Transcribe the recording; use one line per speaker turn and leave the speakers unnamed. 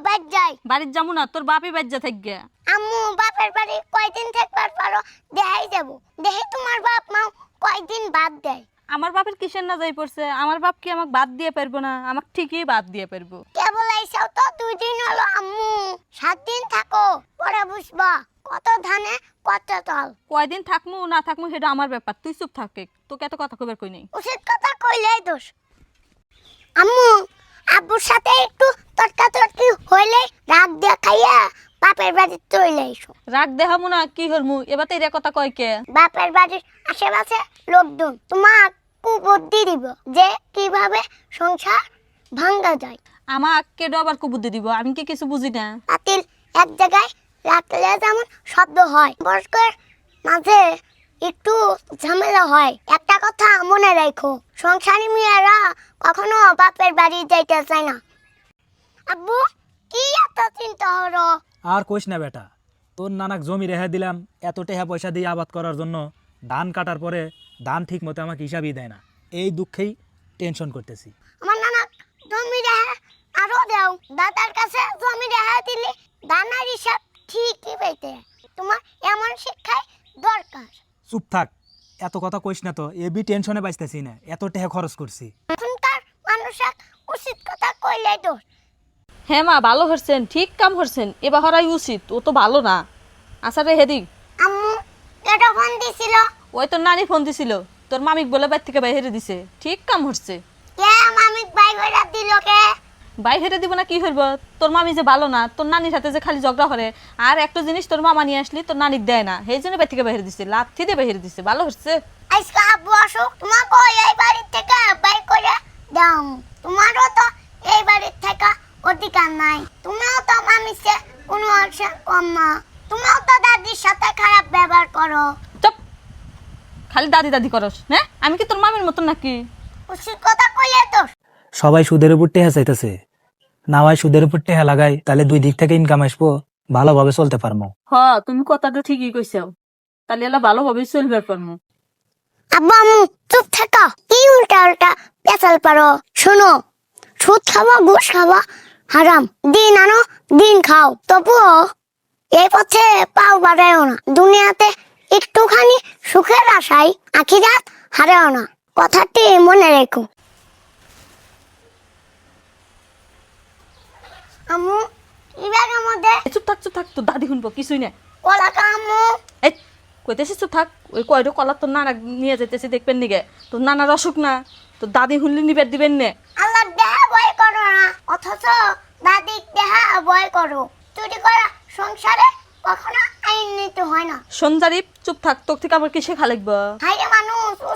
বাইর যাই।
বাড়ির যাবো না, তোর বাপই বাজ্যা থাকবে।
আম্মু বাপের বাড়ি কয়দিন থাকবার পারো দেখাই যাব। দেখি তোমার বাপ মা কয়দিন বাদ দেয়।
আমার বাপের কিসের না যাই পড়ছে? আমার বাপ কি আমাকে বাদ দিয়ে পারবো না? আমাকে ঠিকই বাদ দিয়ে পারবো।
কেবল এইসব তো 2 দিন হলো আম্মু। 7 দিন থাকো, পরে বুঝবা কত ধানে কত চাল।
কয়দিন থাকমু না থাকমু সেটা আমার ব্যাপার, তুই চুপ থাকে। তোকে এত কথা কইবার কই নাই।
উচিত কথা কইলেই দোষ। আম্মু আব্বুর সাথে একটু তর্কাতর্কি হইলে রাগ দিয়ে খাইয়া বাপের বাড়ি চলে এসো।
রাগ দেখামু না কি হরমু? এবার তো এর কথা কয় কে?
বাপের বাড়ির আশেপাশে লোকজন তোমার কুবুদ্ধি দিব যে কিভাবে সংসার ভাঙ্গা যায়।
আমাক কেডো আবার কুবুদ্ধি দিব? আমি কি কিছু বুঝি না?
পাতিল এক জায়গায় রাখলে যেমন শব্দ হয়, বয়স্কের মাঝে একটু ঝামেলা হয়। একটা কথা মনে রাখো, সংসারী মেয়েরা কখনো বাপের বাড়ি যাইতে চায় না। আব্বু কি এত চিন্তা হলো?
আর কইস না বেটা, তোর নানাক জমি রেখে দিলাম এত টাকা পয়সা দিয়ে আবাদ করার জন্য। ধান কাটার পরে ধান ঠিক মতো আমাকে হিসাবই দেয় না, এই দুঃখেই টেনশন করতেছি।
আমার নানা জমি রেখে আরো দেও। দাদার কাছে জমি রেখে দিলে দানার হিসাব ঠিকই পেতে। তোমার এমন শিক্ষাই দরকার।
চুপ থাক, এত কথা কইস না তো, এবি টেনশনে বাঁচতেছি না, এত টাকা খরচ করছি।
এখনকার মানুষের উচিত কথা কইলে দোষ।
হ্যাঁ মা, ভালো হরছেন, ঠিক কাম হরছেন। এবার হরাই উচিত, ও তো ভালো না। আচ্ছা রে হেদি,
আম্মু এটা ফোন দিছিল।
ওই তোর নানি ফোন দিছিল, তোর মামিক বলে বাইর থেকে বাইরে দিছে। ঠিক কাম হচ্ছে।
কে মামিক বাই কইরা দিল কে?
বাইরে দিব না কি হইব? তোর মামি যে ভালো না, তোর নানির সাথে যে খালি ঝগড়া করে। আর একটা জিনিস তোর মামা নিয়ে আসলি তোর নানিক দেয় না, সেই জন্য বাইর থেকে বাইরে দিছে, লাথি দিয়ে বাইরে দিছে। ভালো হচ্ছে।
আজকে আব্বু আসুক, তোমাকে এই বাড়ির থেকে বাই করে দাও। তোমারও তো এই বাড়ির থেকে অধিকার নাই। তুমিও তো মামির চেয়ে কোনো অংশে কম না। তুমিও তো দাদির সাথে খারাপ ব্যবহার করো।
চুপ, খালি দাদি দাদি করস। হ্যাঁ, আমি কি তোর মামির মতন নাকি?
উচিত কথা কইলে তো।
সবাই সুদের উপর টেহা চাইতেছে, না হয় সুদের উপর টেহা লাগাই, তাহলে দুই দিক থেকে ইনকাম আসবো, ভালোভাবে চলতে পারবো।
হ, তুমি কথাটা ঠিকই কইছাও, তাহলে এলা ভালোভাবে চলবে পারমু।
আব্বু আম্মু চুপ থাকো, কি উল্টা উল্টা পেঁচাল পারো। শোনো, সুদ খাওয়া ঘুষ খাওয়া হারাম। দিন আনো দিন খাও, তবুও এই পথে পাও বাড়ায়ও না। দুনিয়াতে একটুখানি সুখের আশায় আখিরাত হারাও না, কথাটি মনে রেখো। আম্মু এই ব্যাগের মধ্যে
চুপ থাক, চুপ থাক, তোর দাদি শুনবো কিছুই না।
কলা আম্মু।
এই কইতেছিস চুপ থাক। ওই কয়টা কলা তোর নানা নিয়ে যেতেছি, দেখবেন নিগে। তোর নানার অসুখ না, তোর দাদি শুনলে নিবেদ দিবেন নে।
আল্লাহ দেহা ভয় করো না, অথচ দাদি দেহা ভয় করো। চুরি করা সংসারে কখনো আইন নিতে হয় না।
সঞ্জারিপ চুপ থাক, তোর থেকে আমার কি শেখা লাগবে?
হাইরে মানুষ